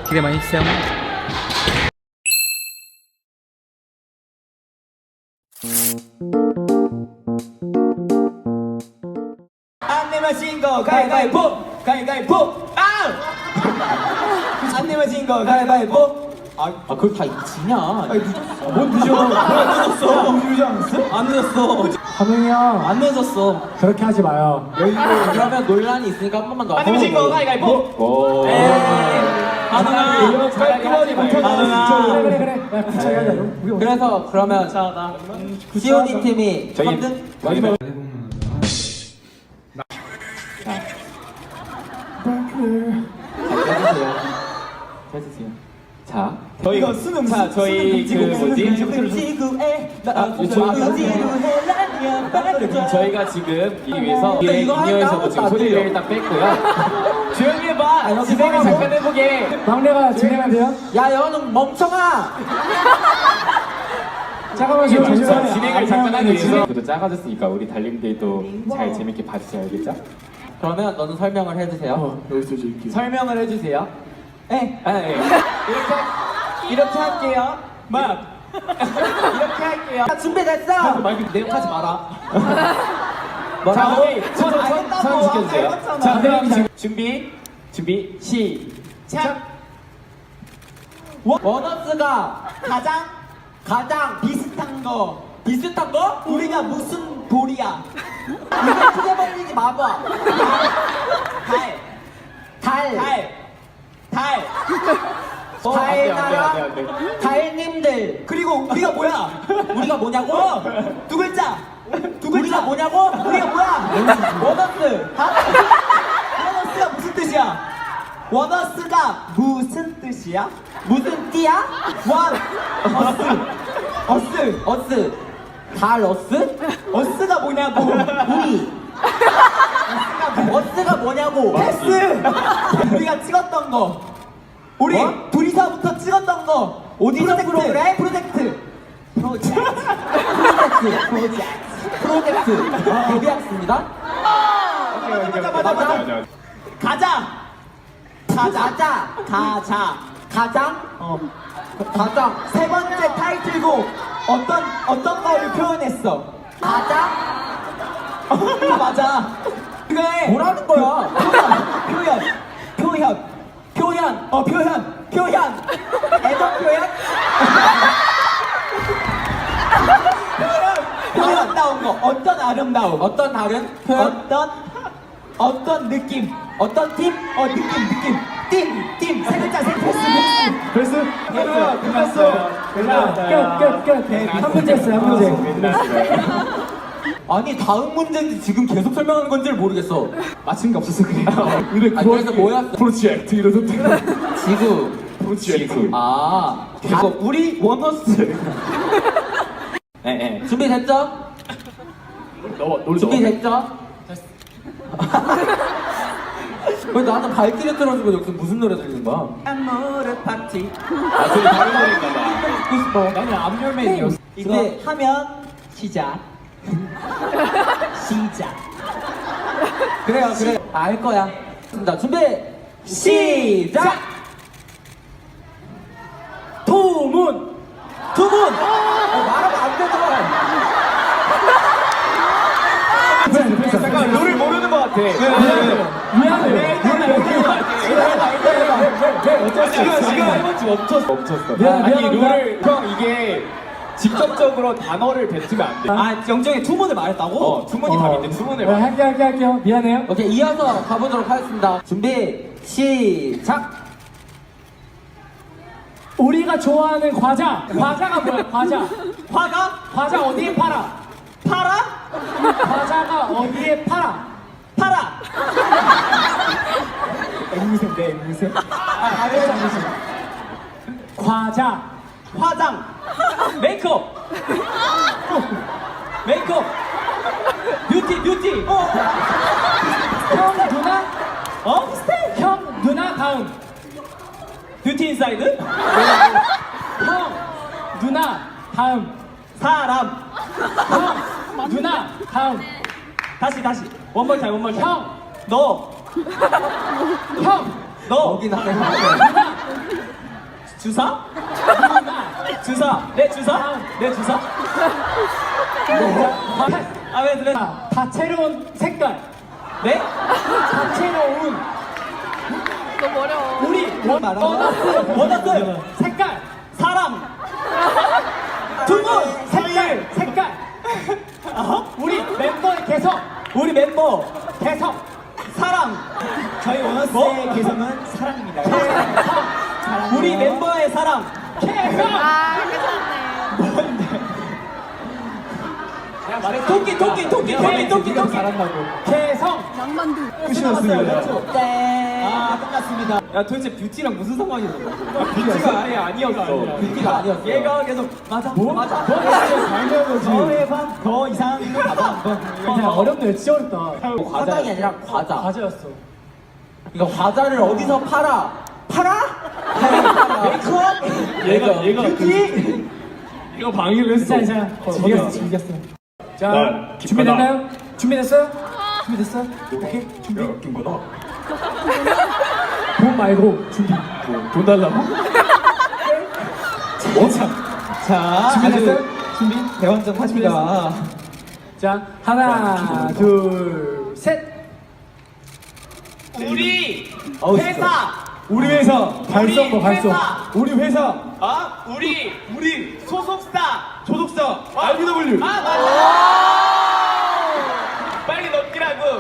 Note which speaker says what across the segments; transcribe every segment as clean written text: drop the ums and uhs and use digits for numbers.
Speaker 1: 기대 많이 해주세요.
Speaker 2: 안 내면 신고 가위바위보 가위바위보 안 내면 신고 가위바위보.
Speaker 3: 그걸 다 지냐?
Speaker 2: 뭔 늦어? 안 늦었어. 늦지 않았어? 안 늦었어.
Speaker 4: 한웅이 형
Speaker 3: 안 늦었어.
Speaker 4: 그렇게 하지 마요.
Speaker 3: 그러면 논란이 있으니까 한 번만 더.
Speaker 2: 안 내면 신고 가위바위보.
Speaker 3: 하나.
Speaker 4: 그래. 야, 구차게 하자.
Speaker 3: 그래서 그러면 시온이 팀이 3등?
Speaker 1: 마지막.
Speaker 3: 해주세요. 자,
Speaker 2: 이거 수능. 자, 저희 그 뭐지? 저희가 지금 이 위해서 인이어에서도 지금 소리를 일단 뺐고요. 조용히 해봐. 진행을 잠깐 해보게.
Speaker 4: 막내가 진행하면 돼요?
Speaker 3: 야, 너는 멍청아!
Speaker 4: 잠깐만 지금 잠시만요.
Speaker 1: 진행을 잠깐 하기 위해서 또 작아졌으니까 우리 달림들도 잘 재밌게 봐주세요. 알겠죠?
Speaker 3: 그러면 너는 설명을 해주세요.
Speaker 4: 여기서 줄게.
Speaker 2: 설명을 해주세요.
Speaker 3: 네.
Speaker 2: 이렇게 할게요. 이렇게 할게요.
Speaker 3: 준비됐어!
Speaker 2: 내 욕하지 마라.
Speaker 3: 뭐라고?
Speaker 2: 선 지켜주세요. 자, 그럼 준비, 시작.
Speaker 3: 원어스가 가장
Speaker 2: 비슷한 거.
Speaker 3: 비슷한 거?
Speaker 2: 우리가 무슨 돌이야?
Speaker 3: 이거 크게 벌리지 마봐. 달. 달나라 달님들.
Speaker 2: 그리고 우리가 뭐야?
Speaker 3: 우리가 뭐냐고?
Speaker 2: 두 글자.
Speaker 3: 우리가 뭐냐고?
Speaker 2: 우리가 뭐야?
Speaker 3: 원어스.
Speaker 2: 원어스가 무슨 뜻이야? 원어스가 무슨 뜻이야?
Speaker 3: 무슨 띠야? 어스. 달어스?
Speaker 2: 어스가 뭐냐고?
Speaker 3: 우리. 어스가 뭐냐고?
Speaker 2: 패스. 우리가 찍었던 거. 우리
Speaker 3: 뭐?
Speaker 2: 둘이서부터 찍었던 거.
Speaker 3: 어디서 프로그램?
Speaker 2: 프로젝트.
Speaker 3: 프로젝트. 데뷔했습니다.
Speaker 2: 맞아.
Speaker 3: 가장. 가장.
Speaker 2: 세 번째 타이틀곡 어떤 거를 표현했어?
Speaker 3: 가장.
Speaker 2: 맞아. 그래.
Speaker 3: 뭐라는 거야?
Speaker 2: 표현.
Speaker 3: 애정 표현?
Speaker 2: 아름다운 거. 어떤 아름다움?
Speaker 3: 어떤 다른 표현?
Speaker 2: 어떤 느낌?
Speaker 3: 어떤 팀?
Speaker 2: 느낌. 팀. 세 글자,
Speaker 4: 벌써?
Speaker 2: 끝났어.
Speaker 4: 끝. 한 문제 했어요, 한 문제.
Speaker 3: 아니 다음 문제인지 지금 계속 설명하는 건지를 모르겠어.
Speaker 1: 맞춘 게 없어서 그래요.
Speaker 3: 그래서 뭐였어?
Speaker 1: 프로젝트 이러던데.
Speaker 3: 지구.
Speaker 1: 프로젝트.
Speaker 3: 이거 우리 원어스.
Speaker 1: 네.
Speaker 3: 준비됐죠? 준비됐죠? 왜 나는 발길에 틀어주고 여기서 무슨 노래 들리는 거야?
Speaker 2: 아모르 파티.
Speaker 1: 저희 다른 노래인가 봐.
Speaker 3: 듣고 싶어.
Speaker 2: 나는 암열맨이었어. 이제 하면 시작.
Speaker 3: 그래. 알 거야. 자, 준비. 시작.
Speaker 4: 투문.
Speaker 3: 말하면 안 되잖아.
Speaker 1: 잠깐 노래 모르는 것 같아.
Speaker 4: 미안해.
Speaker 1: 지금 멈췄어.
Speaker 4: 미안해.
Speaker 1: 아니 룰을 형 이게 직접적으로 단어를 뱉으면 안 돼.
Speaker 2: 영정이 투문을 말했다고?
Speaker 1: 투문이 답인데 투문을 말.
Speaker 4: 할게요. 미안해요.
Speaker 3: 오케이, 이어서 가보도록 하겠습니다. 준비, 시작!
Speaker 4: 우리가 좋아하는 과자가 뭐야? 과자 어디에 팔아? 과자가 어디에 팔아? 앵무새. 과자.
Speaker 2: 화장. 메이크업. 뷰티.
Speaker 4: 형 누나? 형 누나 다음.
Speaker 2: 뷰티 인사이드.
Speaker 4: 형 누나 다음.
Speaker 2: 사람.
Speaker 4: 형 누나 다음.
Speaker 2: 다시. 원몰 타임.
Speaker 4: 형
Speaker 2: 너.
Speaker 3: 여기 나네.
Speaker 4: 누나
Speaker 3: 주사?
Speaker 4: 누나.
Speaker 3: 주사. 내 주사? 내 주사? 아, 왜?
Speaker 4: 다채로운 색깔.
Speaker 3: 네?
Speaker 4: 다채로운.
Speaker 5: 너무 어려워.
Speaker 4: 우리
Speaker 3: 원하스.
Speaker 4: 색깔.
Speaker 3: 사람.
Speaker 4: 두분 색깔. 우리 멤버의 개성.
Speaker 3: 우리 멤버.
Speaker 4: 개성.
Speaker 3: 사랑. 저희 원하스의 개성은 사랑입니다. 우리 멤버의 사랑.
Speaker 4: 개성.
Speaker 5: 아, 괜찮네.
Speaker 3: 토끼.
Speaker 1: 잘한다고.
Speaker 4: 개성.
Speaker 5: 낭만두.
Speaker 1: 끝이었습니다.
Speaker 3: 네. 아, 끝났습니다. 야, 도대체 뷰티랑 무슨 상관이 있는 거야?
Speaker 1: 뷰티가 아예 아니었어.
Speaker 3: 뷰티가 아니었어. 얘가 계속 맞아. 맞아.
Speaker 1: 당연하지.
Speaker 3: 저의 반더 이상 가봐.
Speaker 4: 그냥 어렵네. 진짜 어렵다.
Speaker 3: 화장이 아니라 과자.
Speaker 4: 과제였어.
Speaker 3: 이거 과자를 어디서 팔아? 메이크업?
Speaker 1: 얘가
Speaker 3: 뷰티?
Speaker 1: 이거 방해를 했어.
Speaker 4: 자, 즐겼어. 자,
Speaker 1: 난
Speaker 4: 준비됐나요? 준비됐어요? 준비됐어? 오케이, 준비.
Speaker 1: 웃긴 거다.
Speaker 4: 돈 말고 준비.
Speaker 1: 돈 달라고?
Speaker 3: 자,
Speaker 4: 준비됐어요?
Speaker 3: 준비? 대환장 하십니다.
Speaker 4: 자, 하나, 둘, 셋.
Speaker 2: 우리
Speaker 3: 어우,
Speaker 2: 회사.
Speaker 1: 우리 회사
Speaker 4: 발성 봐, 발성.
Speaker 1: 우리 회사
Speaker 2: 우리 소속사.
Speaker 1: 소속사 RBW.
Speaker 2: 아 맞아. 빨리 넘기라고.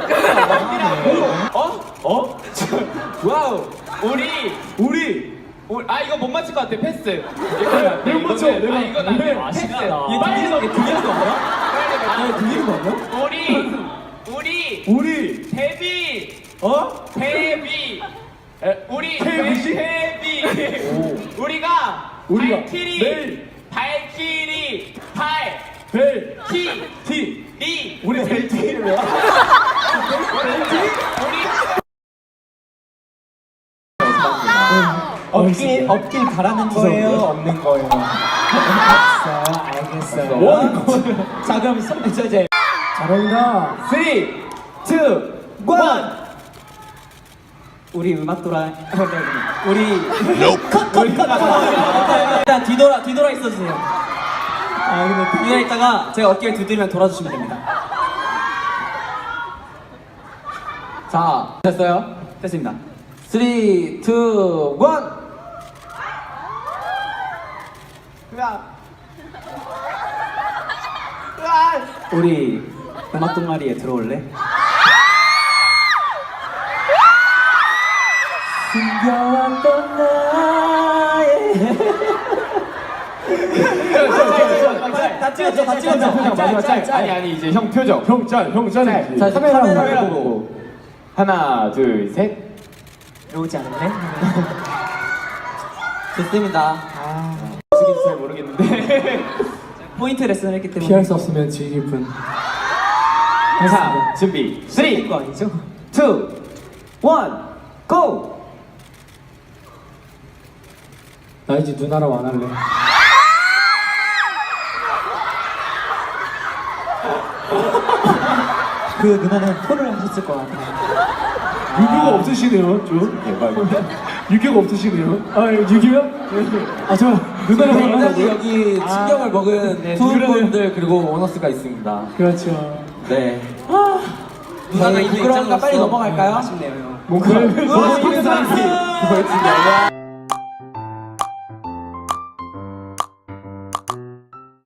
Speaker 1: 어?
Speaker 3: 와우.
Speaker 2: 우리 아 이거 못 맞힐 것 같아. 패스.
Speaker 1: 내가 맞춰, 내가.
Speaker 2: 이건 안 돼. 패스.
Speaker 1: 아쉽다.
Speaker 3: 얘
Speaker 2: 빨리 넘겨.
Speaker 3: 들리는 거 아니야?
Speaker 2: 빨리 넘겨.
Speaker 3: 들리는 거 아니야?
Speaker 2: 우리 데뷔. 우리 데뷔. 우리가 발키리 리
Speaker 1: 우리 벨트를 왜?
Speaker 3: 없길 바라는 거예요? 없는 거예요? 알겠어요.
Speaker 1: 뭐 하는 거야?
Speaker 3: 자, 그럼 이제
Speaker 4: 잘한다.
Speaker 3: 3, 2, 1. 우리 음악 돌아. 우리 컷. 일단 뒤돌아 있어주세요. 근데 뒤돌아 있다가 제가 어깨를 두드리면 돌아주시면 됩니다. 자, 됐어요? 됐습니다. 3, 2, 1. 우리 음악 동아리에 들어올래? 숨겨왔던 나의 다 찍었죠.
Speaker 1: 마지막 짤. 아니 이제 형 표정. 형 짤.
Speaker 3: 자, 카메라
Speaker 1: 보고. 하나, 둘, 셋.
Speaker 3: 들어오지 않을래? 좋습니다.
Speaker 1: 어떻게 잘 모르겠는데.
Speaker 3: 포인트 레슨을 했기 때문에
Speaker 4: 피할 수 없으면 즐길 뿐.
Speaker 1: 자, 준비. 3, 2, 1,
Speaker 3: 거 아니죠? 5,
Speaker 4: 나 이제 누나랑 안 할래.
Speaker 3: 그 누나는 폰을 하셨을 것 같아요.
Speaker 1: 유교가 없으시네요, 좀. 대박. 유교가 없으시네요.
Speaker 4: 아, 6이요? 아, 저 누나랑 안
Speaker 3: 굉장히
Speaker 4: 하려고.
Speaker 3: 여기 충격을 먹은 두 분들 그리고 원어스가 있습니다.
Speaker 4: 그렇죠.
Speaker 3: 네. 누나가 부끄러우니까 빨리 넘어갈까요? 아쉽네요.
Speaker 1: 뭔가.
Speaker 3: 뭐,